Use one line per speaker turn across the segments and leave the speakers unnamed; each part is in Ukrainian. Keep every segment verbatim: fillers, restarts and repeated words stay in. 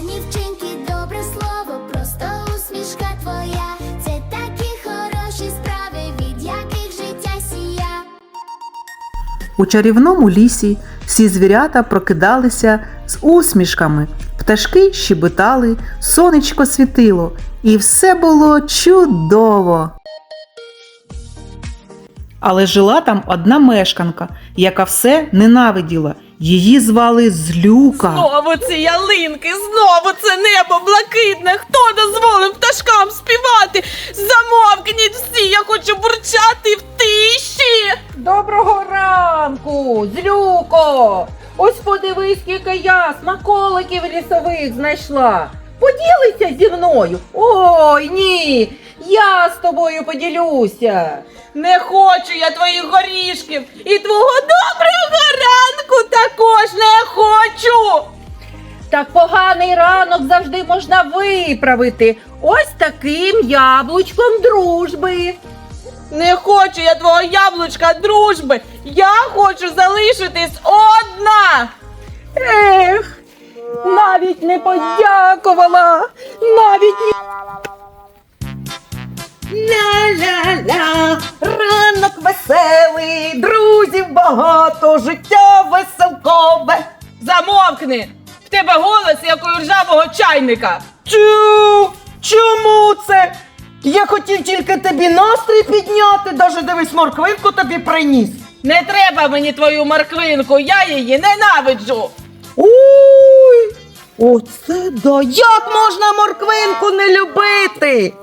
гарні вчинки, добре слово, просто усмішка твоя. Це такі хороші справи, від яких життя сія.
У чарівному лісі всі звірята прокидалися з усмішками, пташки щебетали, сонечко світило, і все було чудово. Але жила там одна мешканка, яка все ненавиділа. Її звали Злюка.
Знову ці ялинки, знову це небо блакитне. Хто дозволив пташкам співати? Замовкніть всі, я хочу бурчати в тиші.
Доброго ранку, Злюко! Ось подивись, скільки я смаколиків лісових знайшла. Поділися зі мною? Ой, ні, я з тобою поділюся.
Не хочу я твоїх горішків і твого доброго ранку також не хочу.
Так поганий ранок завжди можна виправити. Ось таким яблучком дружби.
Не хочу я твого яблучка дружби. Я хочу залишитись одна.
Ех, навіть не подякувала, навіть не... Ля-ля-ля, ранок веселий, друзів багато, життя веселкове.
Замовкни. В тебе голос, як у ржавого чайника.
Чу, чому це? Я хотів тільки тобі настрій підняти, даже дивись, морквинку тобі приніс.
Не треба мені твою морквинку, я її ненавиджу.
Ой, оце да, як можна морквинку не любити?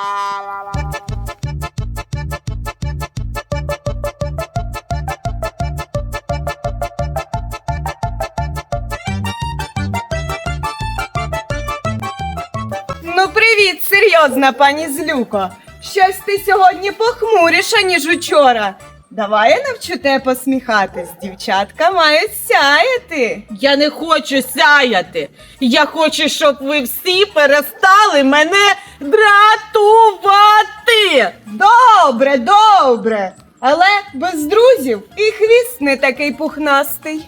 Ну привіт, серйозна пані Злюко. Щось ти сьогодні похмуріша, ніж учора. Давай я навчу тебе посміхатись. Дівчатка мають сяяти.
Я не хочу сяяти. Я хочу, щоб ви всі перестали мене дратувати.
Добре, добре. Але без друзів і хвіст не такий пухнастий.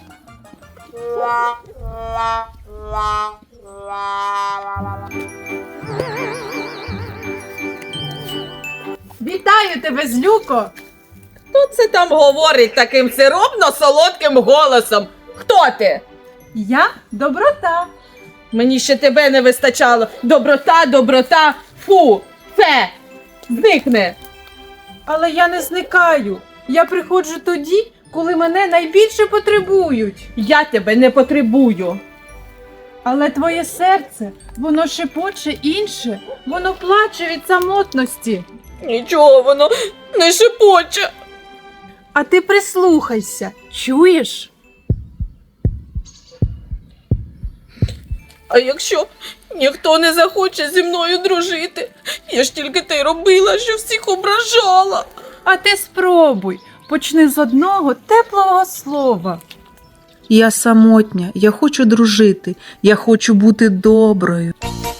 Вітаю тебе, Злюко!
Хто це там говорить таким сиропно-солодким голосом? Хто ти?
Я доброта.
Мені ще тебе не вистачало. Доброта, доброта, фу, фе, зникни.
Але я не зникаю. Я приходжу тоді, коли мене найбільше потребують.
Я тебе не потребую.
Але твоє серце, воно шепоче інше, воно плаче від самотності.
Нічого воно не шепоче.
А ти прислухайся, чуєш?
А якщо ніхто не захоче зі мною дружити? Я ж тільки те й робила, що всіх ображала.
А ти спробуй, почни з одного теплого слова.
Я самотня, я хочу дружити, я хочу бути доброю.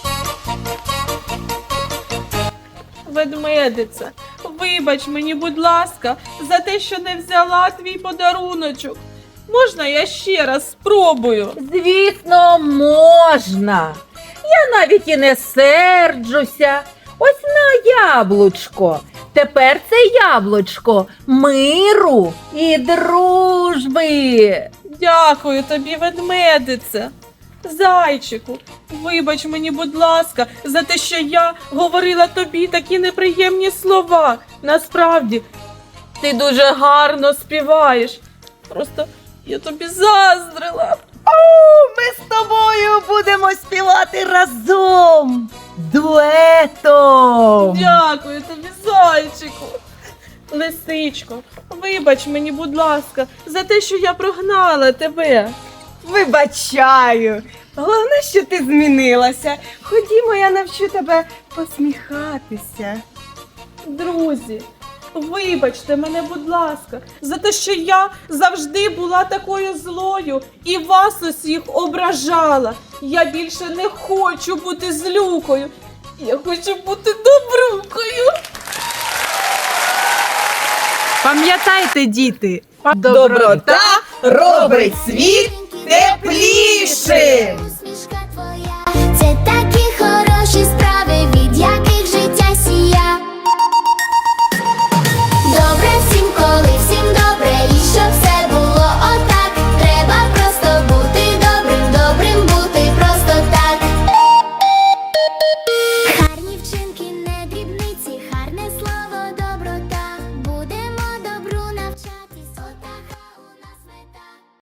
Ведмедиця, вибач мені, будь ласка, за те, що не взяла твій подаруночок. Можна я ще раз спробую?
Звісно, можна. Я навіть і не серджуся. Ось на яблучко. Тепер це яблучко миру і дружби.
Дякую тобі, ведмедице. Зайчику, вибач мені, будь ласка, за те, що я говорила тобі такі неприємні слова. Насправді, ти дуже гарно співаєш. Просто я тобі заздрила.
Ми з тобою будемо співати разом, дуетом.
Дякую тобі, зайчику. Лисичко, вибач мені, будь ласка, за те, що я прогнала тебе.
Вибачаю. Головне, що ти змінилася. Ходімо, я навчу тебе посміхатися.
Друзі, вибачте мене, будь ласка, за те, що я завжди була такою злою і вас усіх ображала. Я більше не хочу бути злюкою. Я хочу бути добрукою.
Пам'ятайте, діти,
Доброта робить світ